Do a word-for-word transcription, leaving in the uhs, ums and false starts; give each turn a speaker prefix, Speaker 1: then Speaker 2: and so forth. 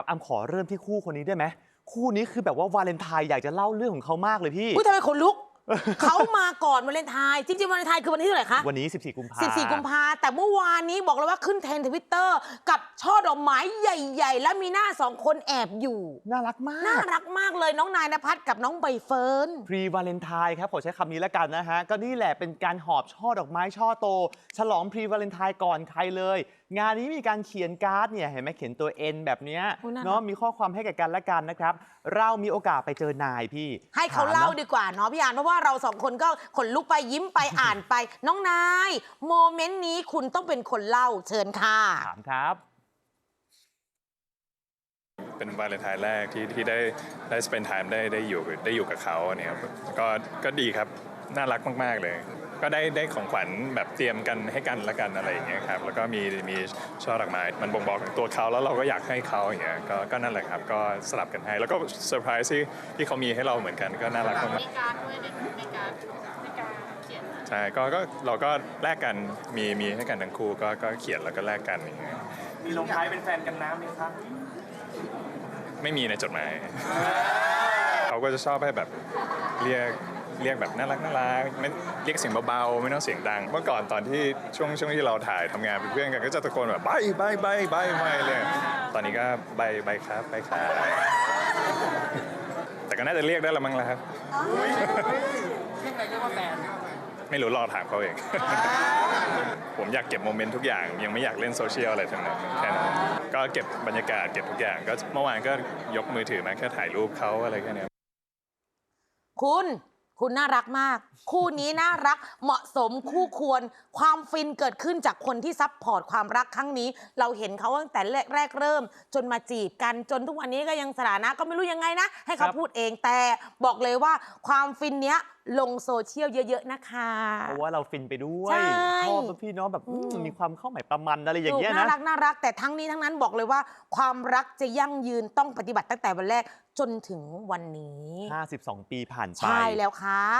Speaker 1: อำขอเริ่มที่คู่คนนี้ได้ไหมคู่นี้คือแบบว่าวาเลนไทน์อยากจะเล่าเรื่องของเขามากเลยพี่
Speaker 2: อุ้ยทำไมขนลุก เขามาก่อนวาเลนไทน์จริงๆวาเลนไทน์คือวันที่เท่าไหร่คะ
Speaker 1: วันนี้สิบสี่กุมภาพันธ์
Speaker 2: สิบสี่กุมภาแต่เมื่อวานนี้บอกเลยว่าขึ้นเทรนด์ทวิตเตอร์กับช่อดอกไม้ใหญ่ๆ และมีหน้าสองคนแอบอยู่
Speaker 1: น่ารักมาก
Speaker 2: น่ารักมากเลยน้องนายณภัทรกับน้องใบเฟิร์น
Speaker 1: พรีวาเลนไทน์ครับขอใช้คำนี้แล้วกันนะฮะก็นี่แหละเป็นการหอบช่อดอกไม้ช่อโตฉลองพรีวาเลนไทน์ก่อนใครเลยงานนี้มีการเขียนการ์ดเนี่ยเห็นไหมเขียนตัว N แบบนี้เนาะมีข้อความให้แก่กันและกันนะครับเรามีโอกาสไปเจอนายพี่
Speaker 2: ให้เขาเล่าดีกว่าเนาะพี่อานเพราะว่าเราสองคนก็ขนลุกไปยิ้มไปอ่านไปน้องนายโมเมนต์นี้คุณต้องเป็นคนเล่าเชิญค่ะ
Speaker 1: ถามครับ
Speaker 3: เป็นวาเลนไทน์แรกที่ที่ได้ได้ spend time ได้ได้อยู่ได้อยู่กับเขาเนี่ยก็ก็ดีครับน่ารักมากๆเลยก็ได้ได้ของขวัญแบบเตรียมกันให้กันละกันอะไรอย่างเงี้ยครับแล้วก็มีมีช่อดอกไม้มันบ่งบอกถึงตัวเขาแล้วเราก็อยากให้เขาอย่างเงี้ยก็ก็นั่นแหละครับก็สลับกันให้แล้วก็เซอร์ไพรส์ที่ที่เขามีให้เราเหมือนกันก็น่ารักมาก
Speaker 4: มีการด้วยในในการในการเขียน
Speaker 3: ใช่ก็ก็เราก็แลกกันมีมีให้กันทั้งคู่ก็ก็เขียนแล้วก็แลกกันอย่างเงี้ย
Speaker 5: มีลงท้ายเป็นแฟนกันน้ำไหมครับ
Speaker 3: ไม่มีในจดหมายเขาก็จะชอบให้แบบเรียกเรียกแบบน่ารักน่ารักไม่เรียกเสียงเบาๆไม่ต้องเสียงดังเมื่อก่อนตอนที่ช่วงช่วงที่เราถ่ายทำงานเป็นเพื่อนกันก็จะตะโกนแบบใบใบใบใบใบเลยตอนนี้ก็ใบใบครับใบครับแต่ก็น่าจะเรียกได้ละมั้งแล้วครับ
Speaker 5: เรียกอะไรเรียกว่าแฟน
Speaker 3: ไม่รู้รอถามเขาเองผมอยากเก็บโมเมนต์ทุกอย่างยังไม่อยากเล่นโซเชียลอะไรทั้งนั้นแค่นั้นก็เก็บบรรยากาศเก็บทุกอย่างก็เมื่อวานก็ยกมือถือมาแค่ถ่ายรูปเขาอะไรแค่นี้
Speaker 2: คุณคุณน่ารักมากคู่นี้น่ารักเหมาะสมคู่ควรความฟินเกิดขึ้นจากคนที่ซัพพอร์ตความรักครั้งนี้เราเห็นเขาตั้งแต่แรกแรกเริ่มจนมาจีบกันจนทุกวันนี้ก็ยังสถานะก็ไม่รู้ยังไงนะให้เขาพูดเองแต่บอกเลยว่าความฟินเนี้ยลงโซเชียลเยอะๆนะคะ
Speaker 1: เพราะว่าเราฟินไปด้วยชอบพี่น้องแบบมีความเข้าหมายประมันอะไรอย่างเงี้ยนะ
Speaker 2: น่ารักน่ารักแต่ทั้งนี้ทั้งนั้นบอกเลยว่าความรักจะยั่งยืนต้องปฏิบัติตั้งแต่วันแรกจนถึงวันนี้
Speaker 1: ห้าสิบสองปีผ่านไป
Speaker 2: ใช่แล้วค่ะ